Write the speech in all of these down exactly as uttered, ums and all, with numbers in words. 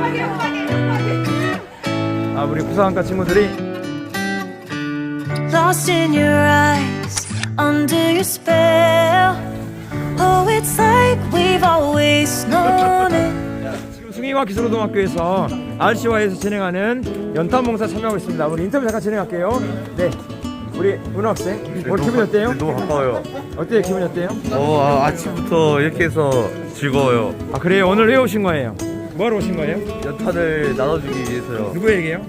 아, 우리 부사관과 친구들이 Lost in your eyes, under your spell. Oh, it's like we've always known it. 지금 숭이와 기술고등학교에서 알씨와이에서 진행하는 연탄봉사 참여하고 있습니다. 우리 인터뷰 잠깐 진행할게요. 네, 우리 은호 학생 오늘 기분이 어때요? 너무 가까워요. 어때요? 기분이 어때요? 어, 아, 아침부터 이렇게 해서 즐거워요. 아, 그래요? 오늘 왜 오신 거예요? 뭐하러 오신 거예요? 연탄을 나눠주기 위해서요. 누구에게요?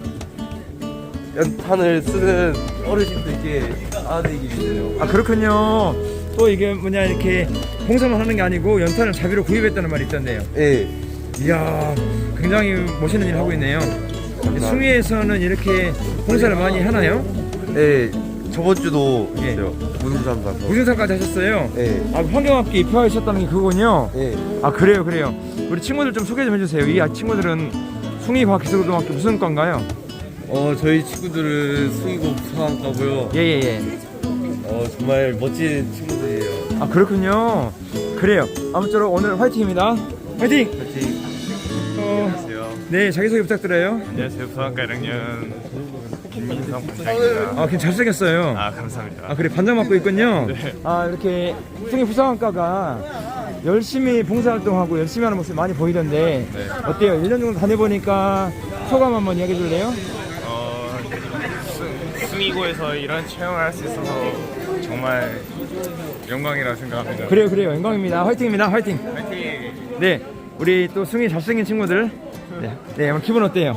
연탄을 쓰는 어르신들께 알아드리기 위해서요. 아, 그렇군요. 또 이게 뭐냐, 이렇게 봉사만 하는 게 아니고 연탄을 자비로 구입했다는 말이 있던데요. 예. 이야, 굉장히 멋있는 일 하고 있네요. 숭이에서는 이렇게 봉사를 많이 하나요? 예. 저번 주도 예. 했어요. 무등산 가서. 무슨상까지 하셨어요? 예. 아, 환경학교 입학하셨다는 게 그거군요. 예. 아, 그래요, 그래요. 우리 친구들 좀 소개 좀 해주세요. 이 친구들은 숭이과학기술고등학교 무슨 과인가요? 어, 저희 친구들은 숭이고 부사관과고요. 예예예. 어, 정말 멋진 친구들이에요. 아, 그렇군요. 그래요. 아무쪼록 오늘 화이팅입니다. 화이팅! 같이. 어, 안녕하세요. 네, 자기소개 부탁드려요. 안녕하세요. 부산과 일 학년 김민성 반장입니다. 아, 굉장히 잘생겼어요. 아, 감사합니다. 아, 그래, 반장 맡고 있군요. 네. 아, 이렇게 숭이 부사관과가 열심히 봉사활동하고 열심히 하는 모습이 많이 보이던데 네. 어때요? 일 년 정도 다녀보니까 소감 한번 이야기해 줄래요? 어, 숭- 숭이고에서 이런 체험을 할 수 있어서 정말 영광이라고 생각합니다. 그래요, 그래요. 영광입니다. 화이팅입니다. 화이팅! 화이팅! 네, 우리 또 숭이 잘생긴 친구들. 네, 네, 오늘 기분 어때요?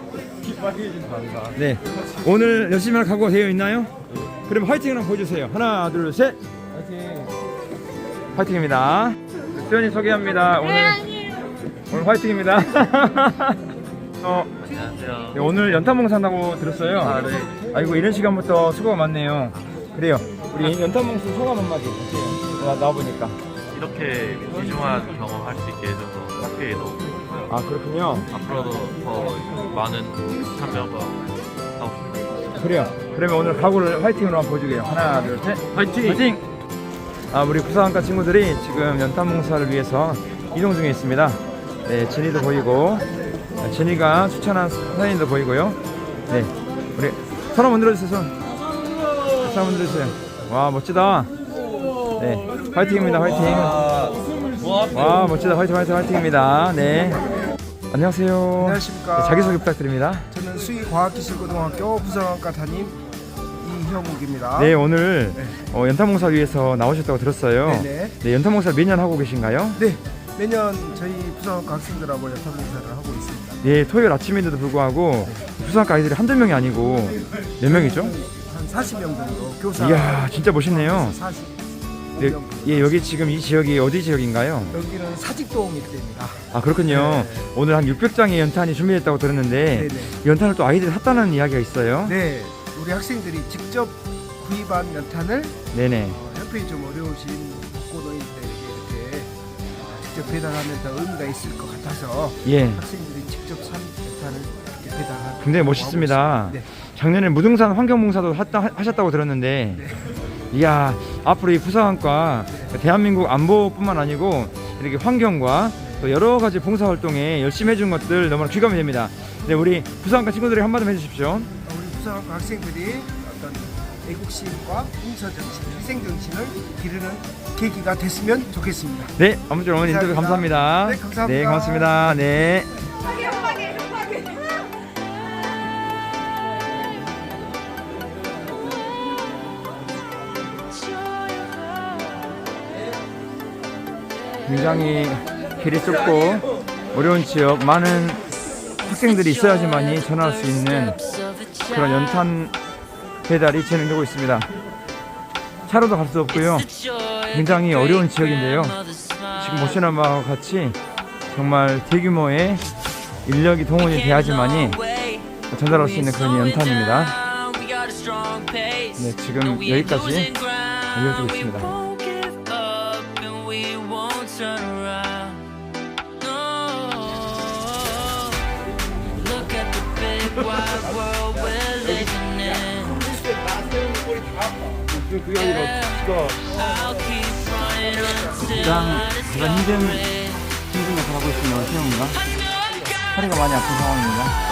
네, 오늘 열심히 할 각오가 되어 있나요? 그럼 화이팅을 한번 보여주세요. 하나, 둘, 셋. 화이팅! 화이팅입니다. 수연이 소개합니다. 오늘 오늘 화이팅입니다. 어, 안녕하세요. 네, 오늘 연탄봉사 한다고 들었어요. 아, 네. 아이고, 이런 시간부터 수고가 많네요. 그래요. 우리 연탄봉사 소감 한마디 어때요? 나 나와 보니까. 이렇게 귀중한 경험할 수 있게 해줘서 학교에도 아, 그렇군요. 앞으로도 더 많은 참여가 하고 싶습니다. 그래요. 그러면 오늘 각오를 화이팅으로 한번 보여주게요. 하나, 둘, 셋. 화이팅! 화이팅! 아, 우리 부사관과 친구들이 지금 연탄봉사를 위해서 이동 중에 있습니다. 네, 진이도 보이고, 진이가 추천한 사진도 보이고요. 네, 우리 손 한번 들어주세요. 손. 손 한번 들어주세요. 와, 멋지다. 네, 화이팅입니다. 화이팅. 와, 멋지다. 화이팅, 화이팅, 화이팅입니다. 네. 안녕하세요. 안녕하십니까. 네, 자기소개 부탁드립니다. 저는 수의과학기술고등학교 부사관과 담임 이형욱입니다. 네, 오늘 어, 연탄봉사를 위해서 나오셨다고 들었어요. 네네. 네, 연탄봉사를 몇 년 하고 계신가요? 네, 매년 저희 부사관과 학생들하고 연탄봉사를 하고 있습니다. 네, 토요일 아침인데도 불구하고 부산과 아이들이 한두 명이 아니고 몇 명이죠? 한 사십 명 정도 교사. 이야, 진짜 멋있네요. 사십 명. 네, 예, 여기 지금 이 지역이 어디 지역인가요? 여기는 사직동 일대입니다. 아, 그렇군요. 네. 오늘 한 육백 장의 연탄이 준비됐다고 들었는데 네네. 연탄을 또 아이들이 샀다는 이야기가 있어요. 네, 우리 학생들이 직접 구입한 연탄을 네네. 어, 형편이 좀 어려우신 독거노인들에게 이렇게 직접 배달하면 더 의미가 있을 것 같아서 예, 학생들이 직접 산 연탄을 이렇게 배달하는. 굉장히 멋있습니다. 네. 작년에 무등산 환경봉사도 했다, 하셨다고 들었는데 이야, 앞으로 이 부사관과 대한민국 안보뿐만 아니고 이렇게 환경과 또 여러 가지 봉사활동에 열심히 해준 것들 너무나 귀감이 됩니다. 네, 우리 부사관과 친구들이 한마디 해주십시오. 우리 부사관과 학생들이 어떤 애국심과 봉사정신, 희생정신을 기르는 계기가 됐으면 좋겠습니다. 네, 아무쪼록 오늘 인터뷰 감사합니다. 네, 감사합니다. 네, 고맙습니다. 네. 굉장히 길이 좁고 어려운 지역, 많은 학생들이 있어야지만이 전화할 수 있는 그런 연탄 배달이 진행되고 있습니다. 차로도 갈 수 없고요. 굉장히 어려운 지역인데요. 지금 보시는 바와 같이 정말 대규모의 인력이 동원이 돼야지만이 전달할 수 있는 그런 연탄입니다. 네, 지금 여기까지 이어지고 있습니다. 그게 아니라 진짜 가장 가장 힘든 힘든 역을 하고 있습니다. 태영이가 허리가 많이 아픈 상황입니다.